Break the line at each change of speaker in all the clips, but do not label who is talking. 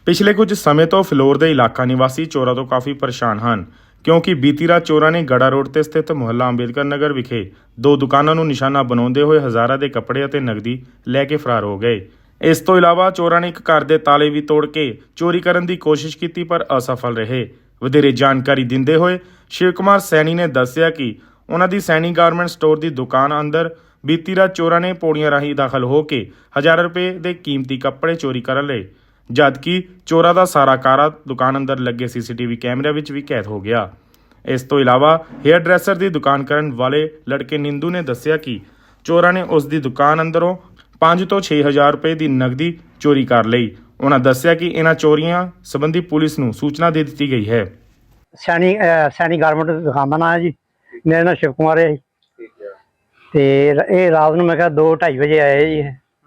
ਪਿਛਲੇ ਕੁਝ ਸਮੇਂ ਤੋਂ ਫਿਲੌਰ ਦੇ ਇਲਾਕਾ ਨਿਵਾਸੀ ਚੋਰਾਂ ਤੋਂ ਕਾਫੀ ਪਰੇਸ਼ਾਨ ਹਨ ਕਿਉਂਕਿ ਬੀਤੀ ਰਾਤ ਚੋਰਾਂ ਨੇ ਗੜਾ ਰੋਡ ਤੇ ਸਥਿਤ ਮੁਹੱਲਾ ਅੰਬੇਦਕਰ ਨਗਰ ਵਿਖੇ ਦੋ ਦੁਕਾਨਾਂ ਨੂੰ ਨਿਸ਼ਾਨਾ ਬਣਾਉਂਦੇ ਹੋਏ ਹਜ਼ਾਰਾਂ ਦੇ ਕੱਪੜੇ ਅਤੇ ਨਕਦੀ ਲੈ ਕੇ ਫਰਾਰ ਹੋ ਗਏ। ਇਸ ਤੋਂ ਇਲਾਵਾ ਚੋਰਾਂ ਨੇ ਇੱਕ ਘਰ ਦੇ ਤਾਲੇ ਵੀ ਤੋੜ ਕੇ ਚੋਰੀ ਕਰਨ ਦੀ ਕੋਸ਼ਿਸ਼ ਕੀਤੀ ਪਰ ਅਸਫਲ ਰਹੇ। ਵਧੇਰੇ ਜਾਣਕਾਰੀ ਦਿੰਦੇ ਹੋਏ ਸ਼ਿਵ ਕੁਮਾਰ ਸੈਣੀ ਨੇ ਦੱਸਿਆ ਕਿ ਉਹਨਾਂ ਦੀ ਸੈਣੀ ਗਾਰਮੈਂਟ ਸਟੋਰ ਦੀ ਦੁਕਾਨ ਅੰਦਰ ਬੀਤੀ ਰਾਤ ਚੋਰਾਂ ਨੇ ਪੌੜੀਆਂ ਰਾਹੀਂ ਦਾਖਲ ਹੋ ਕੇ ਹਜ਼ਾਰਾਂ ਰੁਪਏ ਦੇ ਕੀਮਤੀ ਕੱਪੜੇ ਚੋਰੀ ਕਰ ਲਏ, ਜਦਕਿ ਚੋਰਾਂ ਦਾ ਸਾਰਾ ਕਾਰਾ ਦੁਕਾਨ ਅੰਦਰ ਲੱਗੇ ਸੀਸੀਟੀਵੀ ਕੈਮਰਿਆਂ ਵਿੱਚ ਵੀ ਕੈਦ ਹੋ ਗਿਆ। ਇਸ ਤੋਂ ਇਲਾਵਾ ਹੇਅਰ ਡਰੈਸਰ ਦੀ ਦੁਕਾਨ ਕਰਨ ਵਾਲੇ ਲੜਕੇ ਨਿੰਦੂ ਨੇ ਦੱਸਿਆ ਕਿ ਚੋਰਾਂ ਨੇ ਉਸ ਦੀ ਦੁਕਾਨ ਅੰਦਰੋਂ 5 ਤੋਂ 6 ਹਜ਼ਾਰ ਰੁਪਏ ਦੀ ਨਕਦੀ ਚੋਰੀ ਕਰ ਲਈ। ਉਹਨਾਂ ਦੱਸਿਆ ਕਿ ਇਹਨਾਂ ਚੋਰੀਆਂ ਸੰਬੰਧੀ ਪੁਲਿਸ ਨੂੰ ਸੂਚਨਾ ਦੇ ਦਿੱਤੀ ਗਈ ਹੈ।
ਸੈਣੀ ਗਾਰਮੈਂਟ ਦੀ ਦੁਕਾਨ ਦਾ ਨਾਂ ਹੈ ਜੀ। ਮੇਰਾ ਨਾਮ ਸ਼ਿਵ ਕੁਮਾਰ ਹੈ ਤੇ ਇਹ ਰਾਤ ਨੂੰ ਮੈਂ ਕਿਹਾ 2-2:30 ਵਜੇ ਆਏ ਜੀ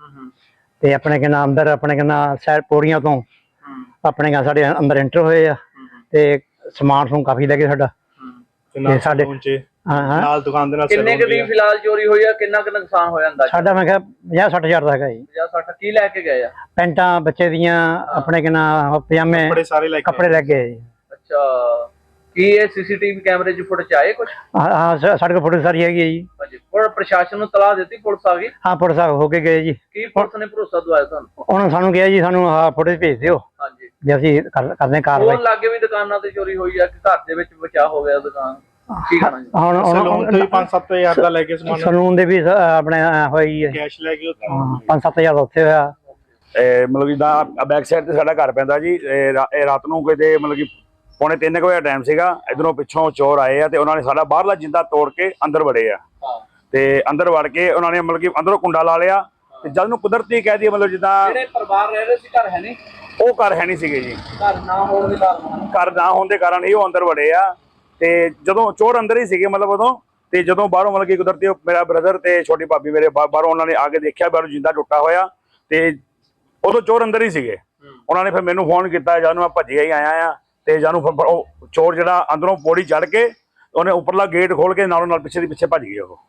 ਤੇ ਆਪਣੇ ਕਹਿੰਦਾ ਅੰਦਰ ਆਪਣੇ ਕਹਿੰਦਾ ਸੈਰ ਪੌੜੀਆਂ ਤੋਂ ਆਪਣੇ ਕਹਿੰਦਾ ਸਾਡੇ ਅੰਦਰ ਐਂਟਰ ਹੋਏ ਆ ਤੇ ਸਮਾਨ ਸਮੂਨ ਕਾਫੀ ਲੈ ਕੇ ਸਾਡਾ ਤੇ ਸਾਡੇ
ਨਾਲ ਦੁਕਾਨ ਦੇ ਨਾਲ
ਕਿੰਨੇ ਕੁ ਦੀ ਫਿਲਹਾਲ ਚੋਰੀ ਹੋਈ ਆ, ਕਿੰਨਾ ਕੁ ਨੁਕਸਾਨ ਹੋਇਆ ਅੰਦਾਜ਼ਾ?
ਸਾਡਾ ਮੈਂ ਕਿਹਾ 50-60 ਹਜ਼ਾਰ ਦਾ ਹੈਗਾ ਜੀ।
50-60 ਕੀ ਲੈ ਕੇ ਗਏ ਆ?
ਪੈਂਟਾਂ ਬੱਚੇ ਦੀਆਂ ਆਪਣੇ ਕਹਿੰਦਾ ਪਜਾਮੇ ਕੱਪੜੇ ਲੈ ਕੇ ਆਏ ਜੀ।
ਅੱਛਾ, ਕੀ ਇਹ ਸੀਸੀਟੀਵੀ ਕੈਮਰੇ 'ਚ ਫੁਟੇਜ ਆਏ ਕੁਝ?
ਹਾਂ ਸਾਡੇ ਕੋਲ ਫੋਟੋ ਸਾਰੀ ਹੈਗੀ ਹੈ ਜੀ।
ਹਾਂਜੀ, ਪਰ ਪ੍ਰਸ਼ਾਸਨ ਨੂੰ ਤਲਾਹ ਦਿੱਤੀ, ਪੁਲਿਸ ਆ ਗਈ?
ਹਾਂ ਪੁਲਿਸ ਹੋ ਕੇ ਗਏ ਜੀ।
ਕੀ ਪੁਲਿਸ ਨੇ ਭਰੋਸਾ ਦਵਾਇਆ ਤੁਹਾਨੂੰ?
ਉਹਨਾਂ ਸਾਨੂੰ ਕਿਹਾ ਜੀ ਸਾਨੂੰ ਆਹ ਫੋਟੋ ਭੇਜ ਦਿਓ
ਹਾਂਜੀ,
ਵੀ ਅਸੀਂ ਕਰਦੇ ਕਾਰਵਾਈ।
ਫੋਨ ਲਾਗੇ ਵੀ ਦੁਕਾਨਾਂ ਤੇ ਚੋਰੀ ਹੋਈ ਆ ਕਿ ਘਰ ਦੇ ਵਿੱਚ ਬਚਾਅ ਹੋ ਗਿਆ ਦੁਕਾਨ? ਕੀ ਕਰਨਾ ਜੀ?
ਹੁਣ
5-7 ਹਜ਼ਾਰ ਦਾ ਲੈ ਕੇ ਸਮਾਨ,
ਸਲੂਨ ਦੇ ਵੀ ਆਪਣੇ ਹੋਈ ਹੈ
ਕੈਸ਼ ਲੈ ਕੇ
5-7 ਹਜ਼ਾਰ ਦਾ ਉੱਥੇ ਹੋਇਆ।
ਮਤਲਬ ਜਿੱਦਾਂ ਬੈਕ ਸਾਈਡ ਤੇ ਸਾਡਾ ਘਰ ਪੈਂਦਾ ਜੀ। ਇਹ ਰਾਤ ਨੂੰ ਕਿਤੇ ਮਤਲਬ ਕਿ 2:45 ਵਜੇ ਟਾਈਮ ਸੀਗਾ। ਇਧਰੋਂ ਪਿੱਛੋਂ ਚੋਰ ਆਏ ਆ ਤੇ ਉਹਨਾਂ ਨੇ ਸਾਡਾ ਬਾਹਰਲਾ ਜਿੰਦਾ ਤੋੜ ਕੇ ਅੰਦਰ ਵੜੇ ਆ ਤੇ ਅੰਦਰ ਵੜ ਕੇ ਉਹਨਾਂ ਨੇ ਮਤਲਬ ਕਿ ਅੰਦਰੋਂ ਕੁੰਡਾ ਲਾ ਲਿਆ ਤੇ ਜਦ ਨੂੰ ਕੁਦਰਤੀ ਕਹਿ ਦਈਏ ਮਤਲਬ ਜਿੱਦਾਂ
ਜਿਹੜੇ ਪਰਿਵਾਰ ਰਹਿ ਰਹੇ ਸੀ ਘਰ ਹੈ ਨਹੀਂ,
ਉਹ ਘਰ ਹੈ ਨਹੀਂ ਸੀਗੇ ਜੀ।
ਘਰ ਨਾ ਹੋਣ ਦੇ ਕਾਰਨ,
ਘਰ ਨਾ ਹੋਣ ਦੇ ਕਾਰਨ ਹੀ ਉਹ ਅੰਦਰ ਵੜੇ ਆ ਤੇ ਜਦੋਂ ਚੋਰ ਅੰਦਰ ਹੀ ਸੀਗੇ ਮਤਲਬ ਉਦੋਂ, ਤੇ ਜਦੋਂ ਬਾਹਰੋਂ ਮਤਲਬ ਕਿ ਕੁਦਰਤੀ ਮੇਰਾ ਬ੍ਰਦਰ ਤੇ ਛੋਟੀ ਭਾਬੀ ਮੇਰੇ ਬਾਹਰੋਂ ਉਹਨਾਂ ਨੇ ਆ ਕੇ ਦੇਖਿਆ ਬਾਹਰੋਂ ਜਿੰਦਾ ਟੁੱਟਾ ਹੋਇਆ ਤੇ ਉਦੋਂ ਚੋਰ ਅੰਦਰ ਹੀ ਸੀਗੇ। ਉਹਨਾਂ ਨੇ ਫਿਰ ਮੈਨੂੰ ਫੋਨ ਕੀਤਾ, ਜਦ ਨੂੰ ਮੈਂ ਭੱਜਿਆ ਹੀ ਆਇਆ ਆ ਤੇ ਜਦ ਨੂੰ ਉਹ ਚੋਰ ਜਿਹੜਾ ਅੰਦਰੋਂ ਪੌੜੀ ਚੜ ਕੇ ਉਹਨੇ ਉੱਪਰਲਾ ਗੇਟ ਖੋਲ ਕੇ ਨਾਲੋਂ ਨਾਲ ਪਿੱਛੇ ਦੀ ਪਿੱਛੇ ਭੱਜ ਗਏ। ਉਹ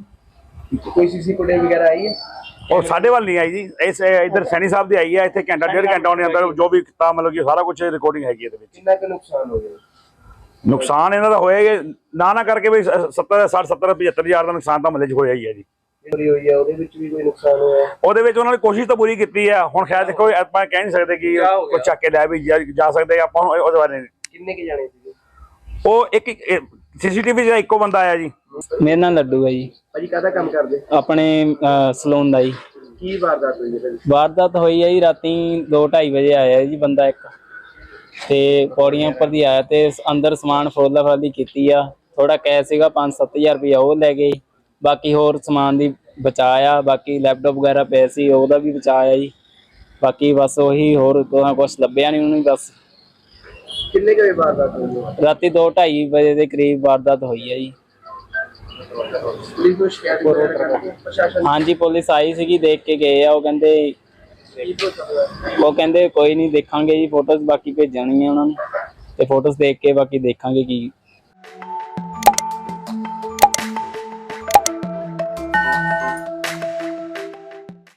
ਕੋਈ ਸੀਸੀ ਫੁਟੇਜ ਵਗੈਰਾ ਆਈ ਹੈ? ਉਹ
ਸਾਡੇ ਵੱਲ ਨਹੀਂ ਆਈ ਜੀ, ਇਸ ਇੱਧਰ ਸੈਣੀ ਸਾਹਿਬ ਦੀ ਆਈ ਹੈ। ਇੱਥੇ ਘੰਟਾ 1.5 ਘੰਟਾ ਉਹਨੇ ਅੰਦਰ ਜੋ ਵੀ ਕੀਤਾ ਮਤਲਬ ਕਿ ਸਾਰਾ ਕੁਝ ਰਿਕਾਰਡਿੰਗ ਹੈਗੀ ਇਹਦੇ ਵਿੱਚ।
ਕਿੰਨਾ ਕੁ ਨੁਕਸਾਨ ਹੋ ਗਿਆ?
ਨੁਕਸਾਨ ਇਹਨਾਂ ਦਾ ਹੋਏਗਾ ਨਾ ਕਰਕੇ ਵੀ 70-75 ਹਜ਼ਾਰ ਦਾ ਨੁਕਸਾਨ ਤਾਂ ਮਹੱਲੇ 'ਚ ਹੋਇਆ ਹੀ ਹੈ ਜੀ।
ਚੋਰੀ ਹੋਈ ਹੈ ਉਹਦੇ ਵਿੱਚ ਵੀ ਕੋਈ ਨੁਕਸਾਨ ਹੋਇਆ?
ਉਹਦੇ ਵਿੱਚ ਉਹਨਾਂ ਨੇ ਕੋਸ਼ਿਸ਼ ਤਾਂ ਪੂਰੀ ਕੀਤੀ ਹੈ। ਹੁਣ ਖੈਰ ਦੇਖੋ ਆਪਾਂ ਕਹਿ ਨਹੀਂ ਸਕਦੇ ਕਿ ਕੋਈ ਚੱਕ ਕੇ ਲੈ ਵੀ ਜਾ ਸਕਦੇ ਆਪਾਂ ਨੂੰ ਉਹਦੇ ਬਾਰੇ।
ਕਿੰਨੇ ਕੇ ਜਾਣੇ ਸੀਗੇ?
ਉਹ ਇੱਕ ਸੀਸੀਟੀਵੀ 'ਚ ਇੱਕੋ ਬੰਦਾ ਆਇਆ ਜੀ।
ਮੇਰਾ ਨਾਮ ਲੱਡੂ ਹੈ ਜੀ।
ਭਾਜੀ ਕਾਹਦਾ ਕੰਮ ਕਰਦੇ?
ਆਪਣੇ ਸਲੂਨ ਦਾ ਜੀ।
ਕੀ ਵਾਰਦਾਤ ਹੋਈ ਹੈ?
ਵਾਰਦਾਤ ਹੋਈ ਹੈ ਜੀ ਰਾਤੀ 2-2:30 ਵਜੇ ਆਇਆ ਜੀ ਬੰਦਾ ਇੱਕ ਤੇ ਪੌੜੀਆਂ ਉੱਪਰ ਦੀ ਆਇਆ ਤੇ ਅੰਦਰ ਸਮਾਨ ਫਰੋਲਾ ਫਰਾਲੀ ਕੀਤੀ ਆ। ਥੋੜਾ ਕੈਸ਼ ਸੀਗਾ 5-7 ਹਜ਼ਾਰ ਰੁਪਇਆ ਉਹ ਲੈ ਗਏ। ਬਾਕੀ ਹੋਰ ਸਮਾਨ ਦੀ ਬਚਾਇਆ, ਬਾਕੀ ਲੈਪਟਾਪ ਵਗੈਰਾ ਪਏ ਸੀ ਉਹਦਾ ਵੀ ਬਚਾਇਆ ਜੀ। ਬਾਕੀ ਬਸ ਉਹੀ ਹੋਰ ਕੁਛ ਲੱਭਿਆ ਨਹੀਂ ਉਹਨੂੰ। ਬਸ
ਕਿੰਨੇ ਕੁ ਵਾਰਦਾਤ ਹੋਈ?
ਰਾਤੀ 2-2:30 ਵਜੇ ਦੇ ਕਰੀਬ ਵਾਰਦਾਤ ਹੋਈ ਹੈ ਜੀ।
ਪੁਲਿਸ ਨੂੰ ਸ਼ਿਕਾਇਤ ਪ੍ਰਸ਼ਾਸਨ?
ਹਾਂਜੀ ਪੁਲਿਸ ਆਈ ਸੀਗੀ, ਦੇਖ ਕੇ ਗਏ ਆ। ਉਹ ਕਹਿੰਦੇ ਕੋਈ ਨਹੀਂ ਦੇਖਾਂਗੇ ਜੀ ਫੋਟੋਜ਼ ਬਾਕੀ ਭੇਜਣੀਆਂ ਉਹਨਾਂ ਨੂੰ ਤੇ ਫੋਟੋਜ਼ ਦੇਖ ਕੇ ਬਾਕੀ ਦੇਖਾਂਗੇ ਕੀ